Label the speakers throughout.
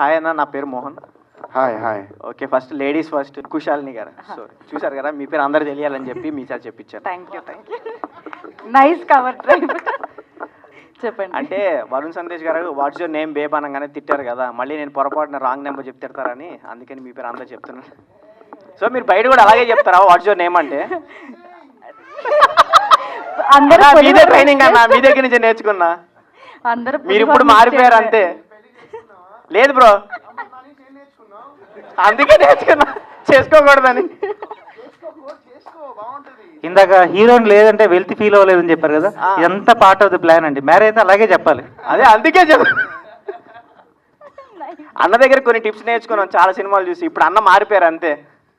Speaker 1: Hi అన్న, నా పేరు Mohan.
Speaker 2: Hi hi.
Speaker 1: Okay, first ladies first. Kushalini గారు, సారీ, చూశారు కదా, మీ పేరు అందరు తెలియాలని చెప్పి మీ సార్ చెప్పించారు.
Speaker 3: Thank you. Nice cover drive. చెప్పండి.
Speaker 1: అంటే వరుణ్ సందేశ్ గారు వాట్స్ యువర్ నేమ్ బేబ్ అనగానే తిట్టారు కదా, మళ్ళీ నేను పొరపాటున రాంగ్ నెంబర్ చెప్తారని అందుకని మీ పేరు అందరు చెప్తున్నాను. సో మీరు బయట కూడా అలాగే చెప్తారా వాట్స్ యువర్ నేమ్ అంటే?
Speaker 3: అందరూ
Speaker 1: మీదే ట్రైనింగ్ అన్న, మీ దగ్గర నుంచి నేర్చుకున్నా.
Speaker 3: అందరూ
Speaker 1: మీరు ఇప్పుడు మారిపోయారు అంతే. లేదు బ్రో, అందుకే నేర్చుకున్నా చేసుకోకూడదని.
Speaker 4: ఇందాక హీరోయిన్ లేదంటే వెల్త్ ఫీల్ అవ్వలేదని చెప్పారు కదా, ఇదంతా పార్ట్ ఆఫ్ ది ప్లాన్ అండి. మ్యారేజ్ అయితే అలాగే చెప్పాలి.
Speaker 1: అదే అందుకే అన్న దగ్గర కొన్ని టిప్స్ నేర్చుకున్నాం చాలా సినిమాలు చూసి. ఇప్పుడు అన్న మారిపోయారు అంతే.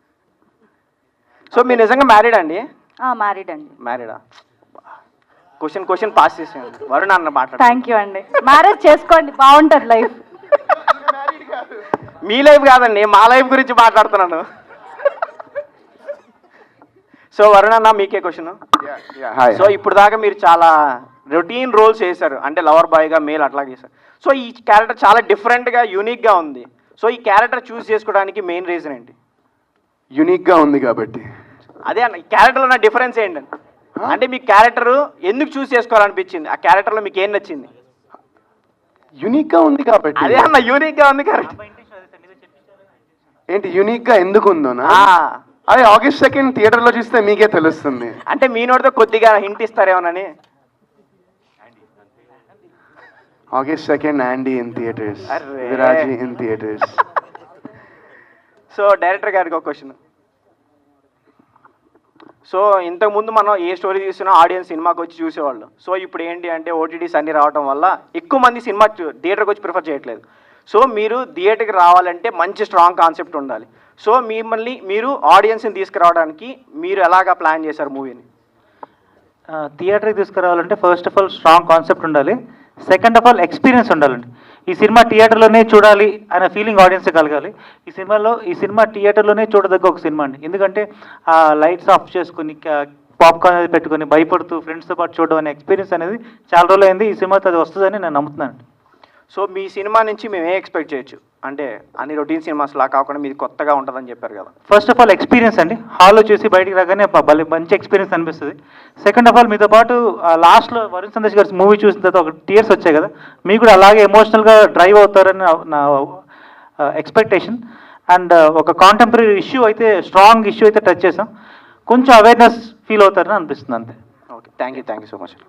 Speaker 1: సో మీరు నిజంగా మ్యారీడ్ అండి?
Speaker 3: మ్యారీడ్ అండి.
Speaker 1: మ్యారీడా? క్వశ్చన్ పాస్ చేసాను. వరుణ్ అన్న మాట్లాడు.
Speaker 3: థ్యాంక్ యూ అండి. మ్యారేజ్ చేసుకోండి, బాగుంటుంది లైఫ్.
Speaker 1: మీ లైఫ్ కాదండి, మా లైఫ్ గురించి మాట్లాడుతున్నాను. సో వరుణ్ అన్న, మీకే క్వశ్చన్. సో ఇప్పుడు దాకా మీరు చాలా రొటీన్ రోల్స్ చేశారు, అంటే లవర్ బాయ్గా మేల్ అట్లా చేశారు. సో ఈ క్యారెక్టర్ చాలా డిఫరెంట్గా యూనిక్గా ఉంది. సో ఈ క్యారెక్టర్ చూస్ చేసుకోవడానికి మెయిన్ రీజన్ ఏంటి?
Speaker 2: యూనిక్గా ఉంది కాబట్టి.
Speaker 1: అదే అన్న, ఈ క్యారెక్టర్లో ఉన్న డిఫరెన్స్ ఏంటండి? అంటే మీ క్యారెక్టర్ ఎందుకు చూస్ చేసుకోవాలనిపించింది? ఆ క్యారెక్టర్లో మీకు ఏం నచ్చింది?
Speaker 2: యూనిక్గా ఉంది కాబట్టి.
Speaker 1: అదే అన్న, యూనిక్గా ఉంది కరెక్ట్.
Speaker 2: ఏంటి యూనిక్గా ఎందుకు ఉందోనా? అదే August 2 థియేటర్లో చూస్తే మీకే తెలుస్తుంది.
Speaker 1: అంటే మీ నోటితో కొద్దిగా హింట్ ఇస్తారేమోనని.
Speaker 2: August 2 యాండీ ఇన్ థియేటర్స్,
Speaker 1: అర్రే.
Speaker 2: Viraaji in theatres.
Speaker 1: So director గారికి ఒక క్వశ్చన్. సో ఇంతకుముందు మనం ఏ స్టోరీ చూసినా ఆడియన్స్ సినిమాకి వచ్చి చూసేవాళ్ళు. సో ఇప్పుడు ఏంటి అంటే ఓటీటీస్ అన్నీ రావడం వల్ల ఎక్కువ మంది సినిమా థియేటర్కి వచ్చి ప్రిఫర్ చేయట్లేదు. సో మీరు థియేటర్కి రావాలంటే మంచి స్ట్రాంగ్ కాన్సెప్ట్ ఉండాలి. సో మిమ్మల్ని మీరు ఆడియన్స్ని తీసుకురావడానికి మీరు ఎలాగా ప్లాన్ చేశారు మూవీని?
Speaker 4: థియేటర్కి తీసుకురావాలంటే first of all strong concept ఉండాలి. సెకండ్ ఆఫ్ ఆల్ ఎక్స్పీరియన్స్ ఉండాలండి. ఈ సినిమా థియేటర్లోనే చూడాలి అనే ఫీలింగ్ ఆడియన్స్ కలగాలి. ఈ సినిమా థియేటర్లోనే చూడదగ్గ ఒక సినిమా అండి. ఎందుకంటే ఆ లైట్స్ ఆఫ్ చేసుకుని పాప్కార్న్ అనేది పెట్టుకొని భయపడుతూ ఫ్రెండ్స్తో పాటు చూడడం అనే ఎక్స్పీరియన్స్ అనేది చాలా రోజులు అయింది. ఈ సినిమాతో అది వస్తుందని నేను నమ్ముతున్నాను.
Speaker 1: సో మీ సినిమా నుంచి మేము ఏ ఎక్స్పెక్ట్ చేయొచ్చు? అంటే అన్ని రొటీన్ సినిమాస్ లా కాకుండా మీది కొత్తగా ఉంటుందని చెప్పారు కదా.
Speaker 4: ఫస్ట్ ఆఫ్ ఆల్ ఎక్స్పీరియన్స్ అండి. హాల్లో చూసి బయటికి రాగానే మంచి ఎక్స్పీరియన్స్ అనిపిస్తుంది. సెకండ్ ఆఫ్ ఆల్ మీతో పాటు లాస్ట్లో వరుణ్ సందేశ్ గారి మూవీ చూసిన తర్వాత ఒక టీయర్స్ వచ్చాయి కదా, మీకు కూడా అలాగే ఎమోషనల్గా డ్రైవ్ అవుతారని నా ఎక్స్పెక్టేషన్. అండ్ ఒక కాంటెంపరీ ఇష్యూ అయితే, స్ట్రాంగ్ ఇష్యూ అయితే టచ్ చేసాం. కొంచెం అవేర్నెస్ ఫీల్ అవుతారని అనిపిస్తుంది అంతే.
Speaker 1: Okay, thank you so much.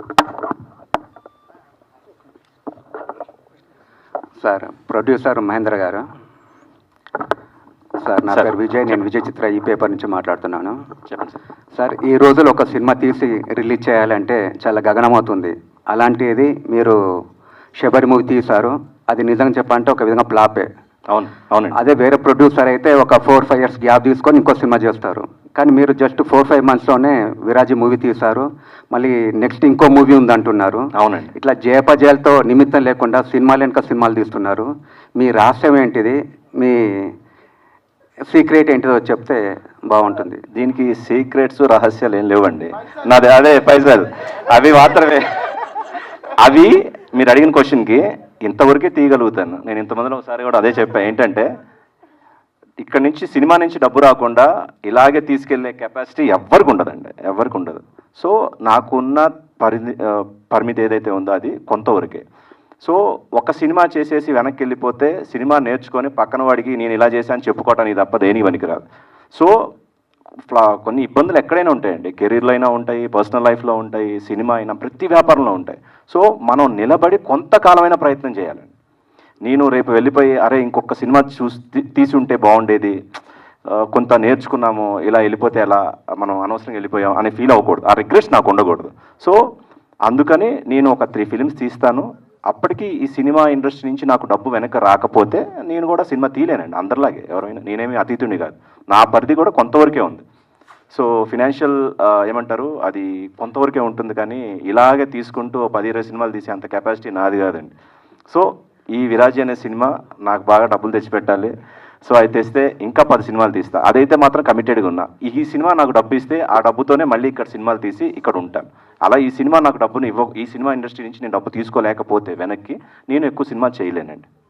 Speaker 5: Sir, producer Mahendra గారు. సార్, నా పేరు విజయ్. నేను విజయ్ చిత్ర ఈ పేపర్ నుంచి మాట్లాడుతున్నాను.
Speaker 1: చెప్పండి సార్.
Speaker 5: సార్, ఈ రోజులు ఒక సినిమా తీసి రిలీజ్ చేయాలంటే చాలా గగనమవుతుంది. అలాంటిది మీరు శబరి మూవీ తీశారు. అది నిజంగా చెప్పాలంటే ఒక విధంగా ఫ్లాపే.
Speaker 6: అవును.
Speaker 5: అదే వేరే ప్రొడ్యూసర్ అయితే ఒక 4-5 years గ్యాప్ తీసుకొని ఇంకో సినిమా చేస్తారు. కానీ మీరు జస్ట్ 4-5 monthsలోనే విరాజీ మూవీ తీశారు. మళ్ళీ నెక్స్ట్ ఇంకో మూవీ ఉందంటున్నారు.
Speaker 6: అవునండి.
Speaker 5: ఇట్లా జయపజయాలతో నిమిత్తం లేకుండా సినిమాలు వెనుక సినిమాలు తీస్తున్నారు. మీ రహస్యం ఏంటిది? మీ సీక్రెట్ ఏంటిదో చెప్తే బాగుంటుంది.
Speaker 6: దీనికి సీక్రెట్స్ రహస్యాలు ఏం లేవండి. నాది అదే పైసలు అవి మాత్రమే. అవి మీరు అడిగిన క్వశ్చన్కి ఇంతవరకే తీయగలుగుతాను. నేను ఇంతమందిలో ఒకసారి కూడా అదే చెప్పాను. ఏంటంటే ఇక్కడ నుంచి సినిమా నుంచి డబ్బు రాకుండా ఇలాగే తీసుకెళ్లే కెపాసిటీ ఎవరికి ఉండదండి, ఎవరికి ఉండదు. సో నాకున్న పరిమితి ఏదైతే ఉందో అది కొంతవరకే. సో ఒక సినిమా చేసేసి వెనక్కి వెళ్ళిపోతే సినిమా నేర్చుకొని పక్కన వాడికి నేను ఇలా చేశాను చెప్పుకోవటానికి తప్ప దేనికి పనికిరాదు. సో కొన్ని ఇబ్బందులు ఎక్కడైనా ఉంటాయండి. కెరీర్లో అయినా ఉంటాయి, పర్సనల్ లైఫ్లో ఉంటాయి, సినిమా అయినా, ప్రతి వ్యాపారంలో ఉంటాయి. సో మనం నిలబడి కొంతకాలమైన ప్రయత్నం చేయాలండి. నేను రేపు వెళ్ళిపోయి అరే ఇంకొక సినిమా తీసి ఉంటే బాగుండేది, కొంత నేర్చుకున్నాము, ఇలా వెళ్ళిపోతే ఎలా, మనం అనవసరంగా వెళ్ళిపోయాం అనే ఫీల్ అవ్వకూడదు. ఆ రిగ్రెట్స్ నాకు ఉండకూడదు. సో అందుకని నేను ఒక 3 films తీస్తాను. అప్పటికి ఈ సినిమా ఇండస్ట్రీ నుంచి నాకు డబ్బు వెనక రాకపోతే నేను కూడా సినిమా తీయలేనండి. అందరిలాగే ఎవరైనా, నేనేమి అతీతుని కాదు. నా పరిధి కూడా కొంతవరకే ఉంది. సో ఫినాన్షియల్ ఏమంటారు, అది కొంతవరకే ఉంటుంది. కానీ ఇలాగే తీసుకుంటూ 10-20 సినిమాలు తీసే అంత కెపాసిటీ నాది కాదండి. సో ఈ విరాజీ అనే సినిమా నాకు బాగా డబ్బులు తెచ్చిపెట్టాలి. సో అది తెస్తే ఇంకా 10 సినిమాలు తీస్తా. అదైతే మాత్రం కమిటెడ్గా ఉన్నా. ఈ సినిమా నాకు డబ్బు ఇస్తే ఆ డబ్బుతోనే మళ్ళీ ఇక్కడ సినిమాలు తీసి ఇక్కడ ఉంటాను. అలా ఈ సినిమా నాకు డబ్బును ఈ సినిమా ఇండస్ట్రీ నుంచి నేను డబ్బు తీసుకోలేకపోతే వెనక్కి నేను ఎక్కువ సినిమా చేయలేనండి.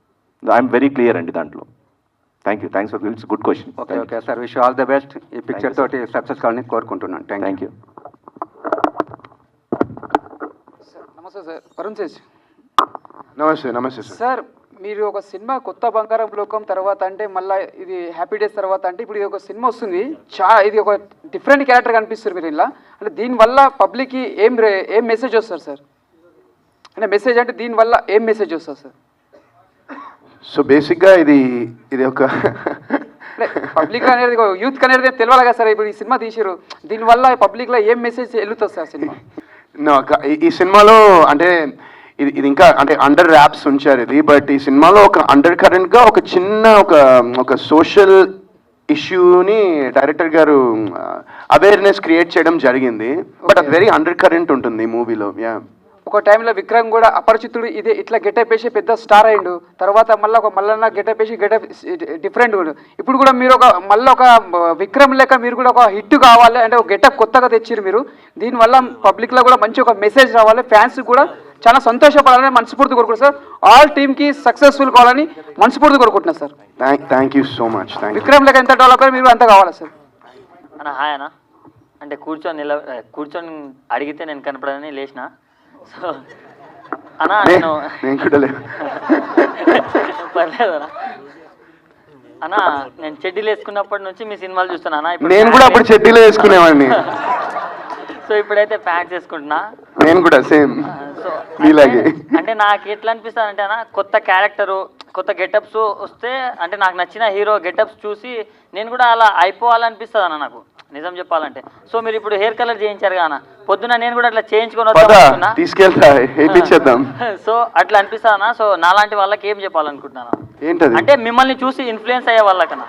Speaker 6: ఐఎమ్ వెరీ క్లియర్ అండి దాంట్లో. Thanks for it's good question.
Speaker 5: Okay okay sir, wish all the best. ఈ పిక్చర్ తోటి సక్సెస్ కావాలని కోరుకుంటున్నాను.
Speaker 6: Thank you.
Speaker 7: నమస్తే సార్, వరుణ్ తేజ్.
Speaker 2: నమస్తే సార్.
Speaker 7: సార్ మీరు ఒక సినిమా కొత్త బంగారం లోకం తర్వాత అంటే మళ్ళీ ఇది హ్యాపీ డేస్ తర్వాత అంటే ఇప్పుడు ఇది ఒక సినిమా వస్తుంది, ఇది ఒక డిఫరెంట్ క్యారెక్టర్ కనిపిస్తారు మీరు ఇలా. అంటే దీనివల్ల పబ్లిక్కి ఏం మెసేజ్ వస్తారు సార్? అంటే మెసేజ్ అంటే దీనివల్ల ఏం మెసేజ్ వస్తుంది సార్?
Speaker 2: సో బేసిక్గా ఇది ఒక
Speaker 7: పబ్లిక్ అనేది యూత్ అనేది తెలియాలి కదా సార్. ఇప్పుడు ఈ సినిమా తీసిరు, దీనివల్ల పబ్లిక్లో ఏం మెసేజ్ వెళ్తుంది సార్ సినిమా?
Speaker 2: ఈ సినిమాలో అంటే ఇది ఇంకా అంటే అండర్ ర్యాప్స్ ఉంచారు ఇది, బట్ ఈ సినిమాలో ఒక అండర్ కరెంట్గా ఒక చిన్న ఒక సోషల్ ఇష్యూని డైరెక్టర్ గారు అవేర్నెస్ క్రియేట్ చేయడం జరిగింది. బట్ అది వెరీ అండర్ కరెంట్ ఉంటుంది మూవీలో.
Speaker 7: ఒక టైంలో విక్రమ్ కూడా అపరిచితుడు ఇదే ఇట్లా గెటప్ వేసి పెద్ద స్టార్ అయ్యిండు, తర్వాత మళ్ళీ ఒక మల్లన్న గెటప్ వేసి గెటప్ డిఫరెంట్. ఇప్పుడు కూడా మీరు మళ్ళీ ఒక విక్రమ్ లెక్క మీరు కూడా ఒక హిట్ కావాలి అంటే ఒక గెటప్ కొత్తగా తెచ్చిరు మీరు. దీనివల్ల పబ్లిక్లో కూడా మంచి ఒక మెసేజ్ రావాలి, ఫ్యాన్స్ కూడా చాలా సంతోషపడాలని మనస్ఫూర్తి కోరుకుంటున్నాను సార్. ఆల్ టీమ్కి సక్సెస్ఫుల్ కావాలని మనస్ఫూర్తి కోరుకుంటున్నాను sir.
Speaker 2: Thank you so much.
Speaker 7: Vikram లెక్క ఎంత డెవలప్ మీరు అంత కావాలి సార్.
Speaker 8: అన్న హాయ్ అన్న. అంటే కూర్చొని అడిగితే నేను కనపడని లేచిన. సో అన్నా నేను పర్లేదు అన్నా, నేను చెడ్డీలు వేసుకున్నప్పటి నుంచి మీ సినిమాలు చూస్తున్నా అన్న.
Speaker 2: నేను కూడా అప్పుడు చెడ్డీలో వేసుకునేవాడిని.
Speaker 8: సో ఇప్పుడైతే ప్యాంట్స్ వేసుకుంటున్నా.
Speaker 2: నేను కూడా సేమ్.
Speaker 8: సో
Speaker 2: మీలాగే.
Speaker 8: అంటే నాకు ఎట్లా అనిపిస్తుంది అంటే అన్న, కొత్త క్యారెక్టరు కొత్త గెటప్స్ వస్తే అంటే నాకు నచ్చిన హీరో గెటప్స్ చూసి నేను కూడా అలా అయిపోవాలనిపిస్తుంది అన్న నాకు, నిజం చెప్పాలంటే. సో మీరు ఇప్పుడు హెయిర్ కలర్ చేయించారు కదా, పొద్దున నేను కూడా అట్లా చేయించుకొని
Speaker 2: తీసుకెళ్తా వేయించేద్దాం.
Speaker 8: సో అట్లా అనిపిస్తా అన్న. సో నాలాంటి వాళ్ళకి ఏం చెప్పాలనుకుంటున్నాను
Speaker 2: ఏంటది
Speaker 8: అంటే మిమ్మల్ని చూసి ఇన్ఫ్లుయెన్స్ అయ్యే వాళ్ళకన్నా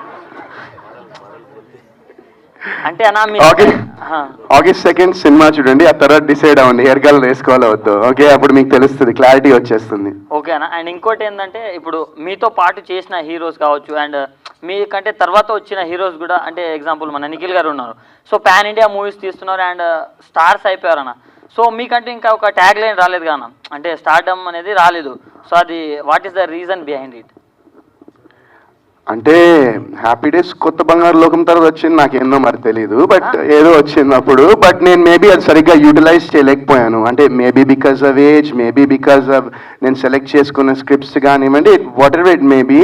Speaker 8: అంటే అన్న
Speaker 2: ఆగస్ట్ 2 సినిమా చూడండి, ఆ తర్వాత డిసైడ్ అవ్వండి హెయిర్ కలర్ వేసుకోవాలో వద్దు. ఓకే, అప్పుడు మీకు తెలుస్తుంది, క్లారిటీ వచ్చేస్తుంది.
Speaker 8: ఓకే అన్న. అండ్ ఇంకోటి ఏంటంటే ఇప్పుడు మీతో పాటు చేసిన హీరోస్ కావచ్చు అండ్ మీకంటే తర్వాత వచ్చిన హీరోస్ కూడా, అంటే ఎగ్జాంపుల్ మన నిఖిల్ గారు ఉన్నారు. సో పాన్ ఇండియా మూవీస్ తీస్తున్నారు అండ్ స్టార్స్ అయిపోయారు అన్న. సో మీకంటే ఇంకా ఒక ట్యాగ్ లైన్ రాలేదు కదా, అంటే స్టార్డమ్ అనేది రాలేదు. సో అది what is the reason behind it?
Speaker 2: అంటే హ్యాపీ డేస్ కొత్త బంగారు లోకం తర్వాత వచ్చింది, నాకేందో మరి తెలియదు, బట్ ఏదో వచ్చింది అప్పుడు. బట్ నేను మేబీ అది సరిగ్గా యూటిలైజ్ చేయలేకపోయాను. అంటే maybe because of age, maybe because of నేను సెలెక్ట్ చేసుకున్న స్క్రిప్ట్స్ కానివ్వండి, whatever it maybe.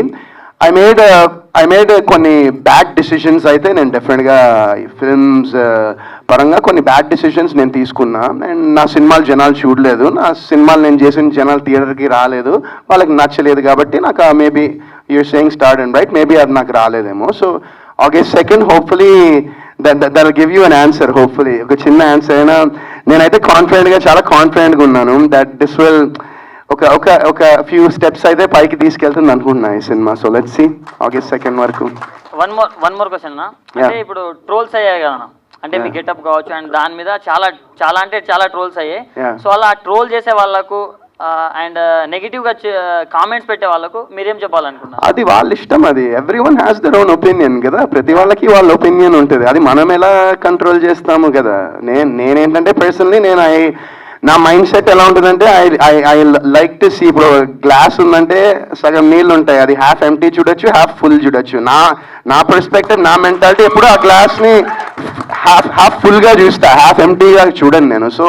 Speaker 2: I made కొన్ని బ్యాడ్ డిసిషన్స్ అయితే నేను డెఫినెట్గా ఫిల్మ్స్ పరంగా కొన్ని బ్యాడ్ డిసిషన్స్ నేను తీసుకున్నా. అండ్ నా సినిమాలు జనాలు చూడలేదు, నా సినిమాలు నేను చేసిన జనాలు థియేటర్కి రాలేదు, వాళ్ళకి నచ్చలేదు. కాబట్టి నాకు maybe your saying start and right, maybe అది నాకు రాలేదేమో. So August 2 hopefully that give you an answer. Hopefully ఒక చిన్న ఆన్సర్ అయినా నేనైతే చాలా కాన్ఫిడెంట్గా ఉన్నాను దట్ దిస్ విల్ ఒక ఫ్యూ స్టెప్స్ అయితే పైకి తీసుకెళ్తుంది అనుకుంటున్నా ఈ సినిమా. సో లెట్స్ సీ ఆగస్ట్ 2 వరకు.
Speaker 8: వన్ మోర్ క్వశ్చన్ అన్న. అంటే ఇప్పుడు ట్రోల్స్ అయ్యాయి కదా, అంటే మీ గెటప్ కావచ్చు అండ్ దాని మీద చాలా ట్రోల్స్ అయ్యాయి. సో అలా ట్రోల్ చేసే వాళ్ళకు అండ్ నెగిటివ్ గా కామెంట్స్ పెట్టే వాళ్ళకు మీరేం చెప్పాలనుకున్నారు?
Speaker 2: అది వాళ్ళ ఇష్టం, అది everyone has their own opinion కదా, ప్రతి వాళ్ళకి వాళ్ళ ఒపీనియన్ ఉంటుంది. అది మనం ఎలా కంట్రోల్ చేస్తాము కదా. నేనేంటంటే పర్సనలీ నా మైండ్ సెట్ ఎలా ఉంటుందంటే ఐ లైక్ టు సీ, ఇప్పుడు గ్లాస్ ఉందంటే సగం నీళ్ళు ఉంటాయి, అది హాఫ్ ఎంటీ చూడొచ్చు, హాఫ్ ఫుల్ చూడొచ్చు. నా పర్స్పెక్టివ్, నా మెంటాలిటీ ఎప్పుడు ఆ గ్లాస్ని హాఫ్ ఫుల్గా చూస్తా, హాఫ్ ఎంటీగా చూడను నేను. సో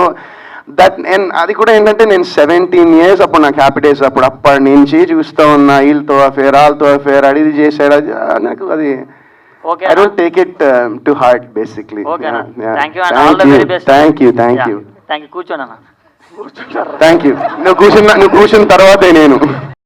Speaker 2: అది కూడా ఏంటంటే నేను 17 years అప్పుడు నాకు హ్యాపీ డేస్ అప్పటి నుంచి చూస్తూ ఉన్నా, వీళ్ళతో అఫేర్ వాళ్ళతో అఫేర్, అది చేసాడు, అది నాకు అది I don't take it to heart basically.
Speaker 8: Okay,
Speaker 2: yeah, yeah.
Speaker 8: Thank you and all the very best.
Speaker 2: Thank you.
Speaker 8: కూర్చోండి అన్న.
Speaker 2: Thank you. నువ్వు కూర్చున్న తర్వాతే నేను